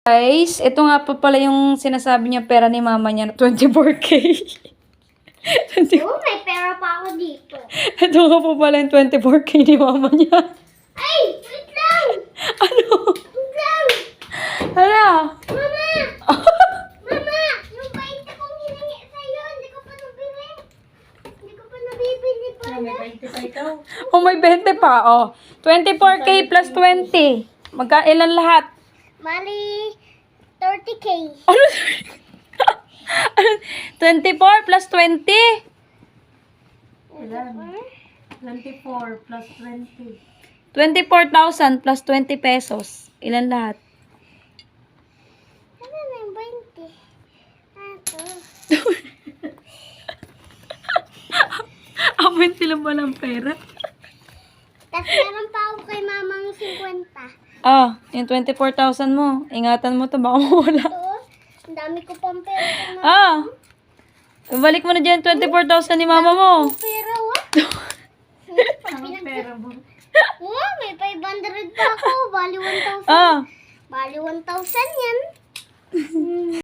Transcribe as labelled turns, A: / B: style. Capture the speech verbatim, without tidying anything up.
A: Guys, ito nga pa pala yung sinasabi niya pera ni mama niya na twenty-four K.
B: Oh, may pera pa ako dito.
A: Ito nga pa pala yung twenty-four K ni mama niya.
B: Ay, wait lang!
A: Ano?
B: Wait lang!
A: Hala?
B: Mama! Mama! Yung bainte kong hiningi sa'yo, hindi ko pa nabili. Hindi ko pa nabibili pala.
A: Oh, may twenty pa. Oh. twenty-four K plus twenty. Magkailan lahat?
B: Mali, thirty K.
A: Ano? twenty-four plus twenty?
C: twenty-four plus twenty.
A: twenty-four thousand plus twenty pesos. Ilan lahat?
B: Ano na yung bainte? Ato.
A: Amin sila ba ng pera?
B: Tapos meron pa ako kay mamang fifty.
A: Ah, yung twenty-four thousand mo. Ingatan mo to, baka mawala.
B: Ito, ang dami ko pang pera kay mama.
A: Ah! Balik mo na dyan twenty-four thousand ni mama mo.
B: Pera, what?
C: Ang pera mo.
B: Oh, may five hundred pa ako. Bali one thousand.
A: Ah!
B: Bali one thousand yan.